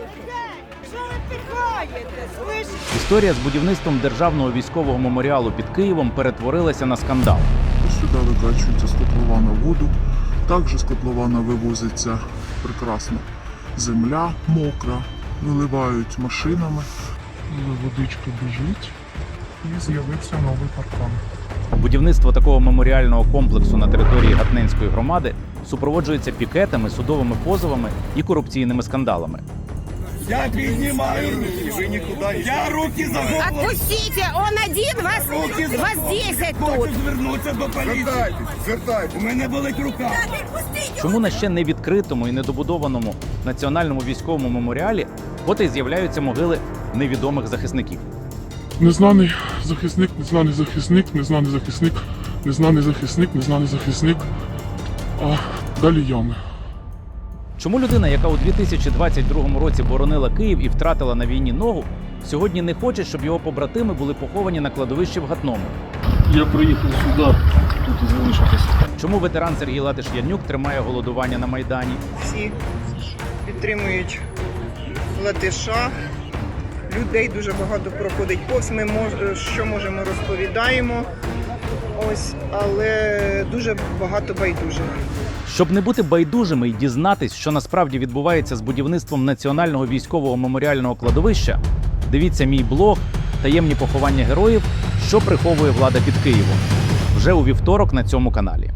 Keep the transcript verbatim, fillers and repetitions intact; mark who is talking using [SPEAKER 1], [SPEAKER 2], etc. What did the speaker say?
[SPEAKER 1] Що ви пихаєте? Слышите?
[SPEAKER 2] Історія з будівництвом державного військового меморіалу під Києвом перетворилася на скандал.
[SPEAKER 3] Сюди викачується з котлована воду. Також з котлована вивозиться прекрасна земля мокра, виливають машинами. Водичка біжить і з'явився новий паркан.
[SPEAKER 2] Будівництво такого меморіального комплексу на території Гатненської громади супроводжується пікетами, судовими позовами і корупційними скандалами.
[SPEAKER 4] Я піднімаю руки, ви нікуди. Я руки за голову.
[SPEAKER 1] Отпустите, он один, вас,
[SPEAKER 4] Руки за
[SPEAKER 1] вас
[SPEAKER 4] голову.
[SPEAKER 1] десять
[SPEAKER 4] Хочу
[SPEAKER 1] тут.
[SPEAKER 4] звернутися до поліції.
[SPEAKER 3] Звертайтесь, звертайтесь.
[SPEAKER 4] У мене болить рука.
[SPEAKER 2] Чому на ще не відкритому і недобудованому національному військовому меморіалі от і з'являються могили невідомих захисників?
[SPEAKER 3] Незнаний захисник, незнаний захисник, незнаний захисник, незнаний захисник, незнаний захисник. А далі ями.
[SPEAKER 2] Чому людина, яка у дві тисячі двадцять другому році боронила Київ і втратила на війні ногу, сьогодні не хоче, щоб його побратими були поховані на кладовищі в Гатному?
[SPEAKER 5] Я приїхав сюди, тут і залишитись.
[SPEAKER 2] Чому ветеран Сергій Латиш-Янюк тримає голодування на Майдані?
[SPEAKER 6] Всі підтримують Латиша. Людей дуже багато проходить повз. Ми мож, що можемо розповідаємо. Ось, але дуже багато байдужих.
[SPEAKER 2] Щоб не бути байдужими і дізнатись, що насправді відбувається з будівництвом національного військового меморіального кладовища, дивіться мій блог «Таємні поховання героїв. Що приховує влада під Києвом» вже у вівторок на цьому каналі.